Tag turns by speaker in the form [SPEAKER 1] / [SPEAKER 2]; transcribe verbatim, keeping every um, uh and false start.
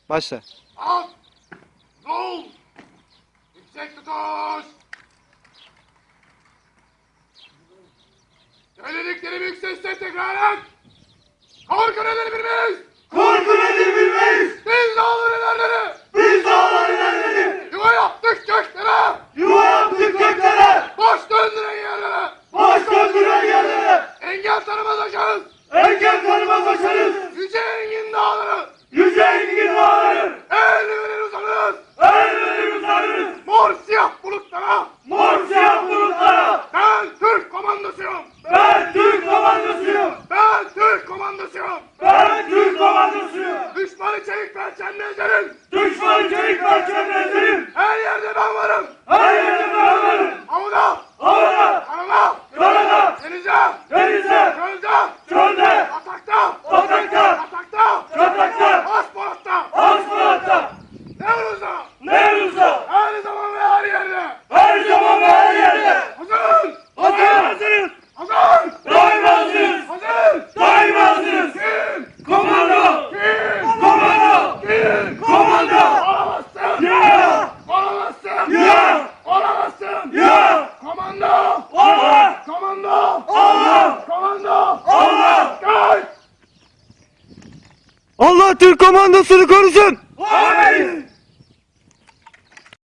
[SPEAKER 1] Başla.
[SPEAKER 2] At! Rol! Yüksek tutuş! Söylediklerimi yüksek sesle tekrar et! Korku nedir bilmeyiz!
[SPEAKER 3] Korku nedir bilmeyiz.
[SPEAKER 2] Biz dağların ilerleri!
[SPEAKER 3] Biz dağların elleri.
[SPEAKER 2] Yuva yaptık göklere!
[SPEAKER 3] Yuva yaptık göklere.
[SPEAKER 2] Baş döndüren yerlere!
[SPEAKER 3] Baş döndüren yerlere.
[SPEAKER 2] Engel tanımaz aşarız!
[SPEAKER 3] Engel tanımaz aşarız.
[SPEAKER 2] Yüce engin dağları!
[SPEAKER 3] Yüce engin dağları.
[SPEAKER 2] El verir uzanırız!
[SPEAKER 3] Elleri uzanırız.
[SPEAKER 2] Mor siyah bulutlara!
[SPEAKER 3] Mor siyah bulutlara.
[SPEAKER 2] Ben Türk komandosuyum!
[SPEAKER 3] Ben Türk komandosuyum.
[SPEAKER 2] Ben Türk komandosuyum!
[SPEAKER 3] Ben Türk komandosuyum.
[SPEAKER 2] Düşmanı çelik perçemle ezerim!
[SPEAKER 3] Düşmanı çelik parçamla ezerim.
[SPEAKER 2] Her yerde ben varım!
[SPEAKER 3] Her yerde ben varım.
[SPEAKER 2] Havada!
[SPEAKER 3] Havada,
[SPEAKER 2] Karada!
[SPEAKER 3] karada,
[SPEAKER 2] Denize!
[SPEAKER 3] denizde,
[SPEAKER 2] Çölde!
[SPEAKER 3] çölde,
[SPEAKER 2] Atakta!
[SPEAKER 3] atakta,
[SPEAKER 2] Atakta!
[SPEAKER 3] çatakta,
[SPEAKER 2] Asfaltta!
[SPEAKER 3] asfaltta,
[SPEAKER 2] Nevruz'da!
[SPEAKER 3] Nevruz'da.
[SPEAKER 2] Her zaman ve her yerde!
[SPEAKER 3] Her zaman ve her yerde.
[SPEAKER 2] Hazırız!
[SPEAKER 3] Hazır, hazırız.
[SPEAKER 2] Hazır!
[SPEAKER 3] Daima hazırız.
[SPEAKER 2] Hazır!
[SPEAKER 3] Daima hazırız.
[SPEAKER 2] Kim?
[SPEAKER 3] Komando,
[SPEAKER 2] Kim?
[SPEAKER 3] komando,
[SPEAKER 2] Kim?
[SPEAKER 3] komando.
[SPEAKER 2] Olamazsın!
[SPEAKER 3] Ya,
[SPEAKER 2] Olamazsın!
[SPEAKER 3] ya,
[SPEAKER 2] Olamazsın!
[SPEAKER 3] ya.
[SPEAKER 2] Komando!
[SPEAKER 3] Allah,
[SPEAKER 2] Komando!
[SPEAKER 3] Allah,
[SPEAKER 2] Komando!
[SPEAKER 3] Allah.
[SPEAKER 2] Kaç!
[SPEAKER 1] Allah Türk komandosunu korusun.
[SPEAKER 3] Amin.